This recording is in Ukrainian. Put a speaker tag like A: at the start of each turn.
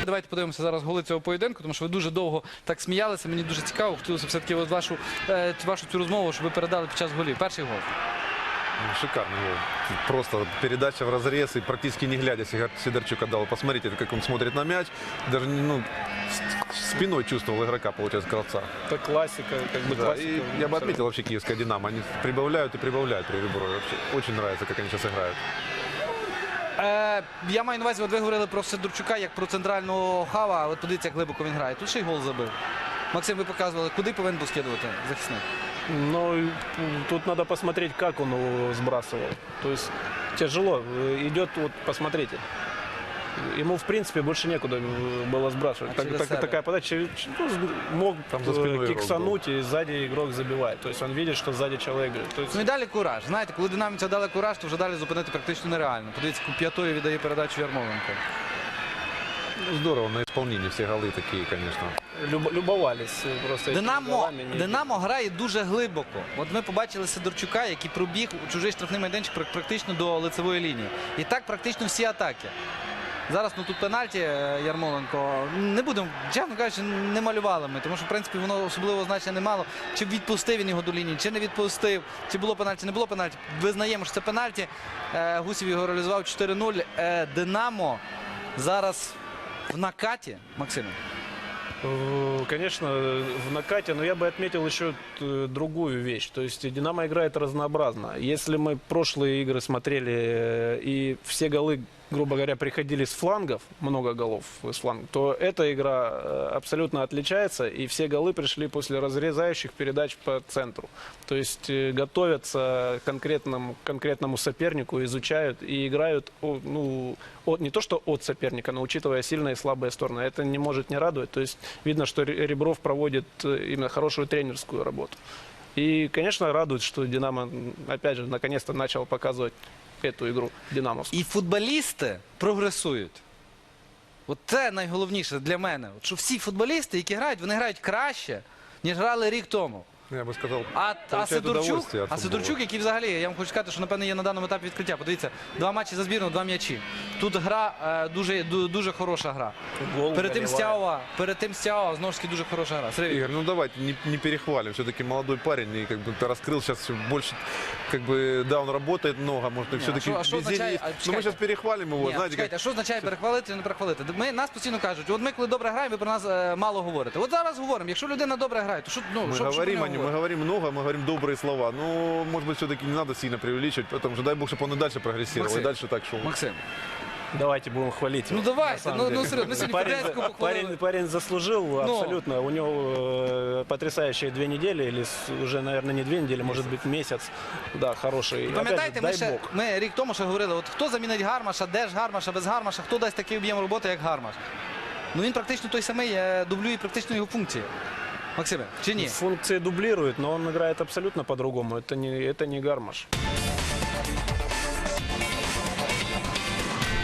A: Давайте подивимося зараз голи цього поєдинку, тому що ви дуже довго так сміялися. Мені дуже цікаво, хотілося все-таки вашу цю розмову, щоб ви передали під час голів. Перший гол.
B: Шикарный гол. Просто передача в разрез и практически не глядя Сидорчук отдал. Посмотрите, как он смотрит на мяч. Даже спиной чувствовал игрока, получается, Кравца.
C: Это классика, как бы
B: Да,
C: классика.
B: и я бы отметил вообще киевская «Динамо». Они прибавляют и прибавляют при Реброве. Вообще очень нравится, как они сейчас играют.
A: Я маю на увазі, от ви говорили про Сидорчука як про центрального хава, але подивіться, як глибоко він грає. Тут ще й гол забив. Максим, ви показували, куди повинен був скидувати захисник?
C: Но тут надо посмотреть, как он его сбрасывал. То есть тяжело. Идет, вот посмотрите. Ему, в принципе, больше некуда было сбрасывать. Такая подача. Мог
B: Там за спиной
C: киксануть, и сзади игрок забивает. То есть он видит, что сзади человек. То есть...
A: Ну і далі кураж. Знаєте, коли динамівця дали кураж, то вже далі зупинити практично нереально. Подивіться, п'ятою віддає передачу Ярмоленко.
B: Здорово, на исполнении все голы такие, конечно.
C: Любовались просто этими голами.
A: Динамо грає дуже глибоко. От ми побачили Сидорчука, який пробіг у чужий штрафний майданчик практично до лицевої лінії. І так практично всі атаки. Зараз тут пенальті Ярмоленко. Не будемо, чесно кажучи, не малювали ми, тому що, в принципі, воно особливого значення не мало. Чи відпустив він його до лінії, чи не відпустив, чи було пенальті, не було пенальті. Визнаємо, що це пенальті. Гусєв його реалізував 4-0. Динамо зараз в накаті, Максим.
C: Конечно, в накате, но я бы отметил еще другую вещь. То есть «Динамо» играет разнообразно. Если мы прошлые игры смотрели, и все голы, грубо говоря, приходили с флангов, много голов с флангов, то эта игра абсолютно отличается, и все голы пришли после разрезающих передач по центру. То есть готовятся к конкретному сопернику, изучают и играют, не то что от соперника, но учитывая сильные и слабые стороны. Это не может не радовать. То есть видно, что Ребров проводит именно хорошую тренерскую работу. И, конечно, радует, что «Динамо», опять же, наконец-то начал показывать эту игру динамовську.
A: І футболісти прогресують. От це найголовніше для мене. От що всі футболісти, які грають, вони грають краще, ніж грали рік тому.
B: Я бы сказал,
A: А Сидорчук, який взагалі, я вам хочу сказати, що, напевно, є на даному етапі відкриття. Подивіться, 2 матчі за збірну, 2 м'ячі. Тут гра, дуже хороша гра. Перед тим Стяова, знову ж таки, дуже хороша гра. Сергій.
B: Игорь, давайте не перехвалим. Все-таки молодой парень и как-то раскрыл сейчас все больше, да, он работает много, может, и все-таки везение. Но мы сейчас перехвалим его, знаете,
A: А що означає перехвалити чи не перехвалити? Нас постійно кажуть, от ми коли добре граємо, ви про нас мало говорите. От зараз говоримо, якщо людина добре грає, то що
B: мы говорим много, мы говорим добрые слова. Но, может быть, все-таки не надо сильно преувеличивать, потому что дай бог, чтобы он и дальше прогрессировал,
A: Максим,
B: и дальше так шел.
A: Максим.
C: Давайте будем хвалить его.
A: Давайте,
C: серьезно,
A: мы сегодня Подяцку похвалили.
C: Парень заслужил абсолютно. У него потрясающие 2 недели, или уже, наверное, не 2 недели, может быть, месяц. Да, хороший.
A: Пам'ятаєте, ми рік тому ще говорили, от хто замінить Гармаша, де ж Гармаша, без Гармаша, хто дасть такий об'єм роботи, як Гармаш? Він практично той самий, дублює практично його функції. Максиме, чи ні?
C: Функции дублирует, но он играет абсолютно по-другому. Это не Гармаш.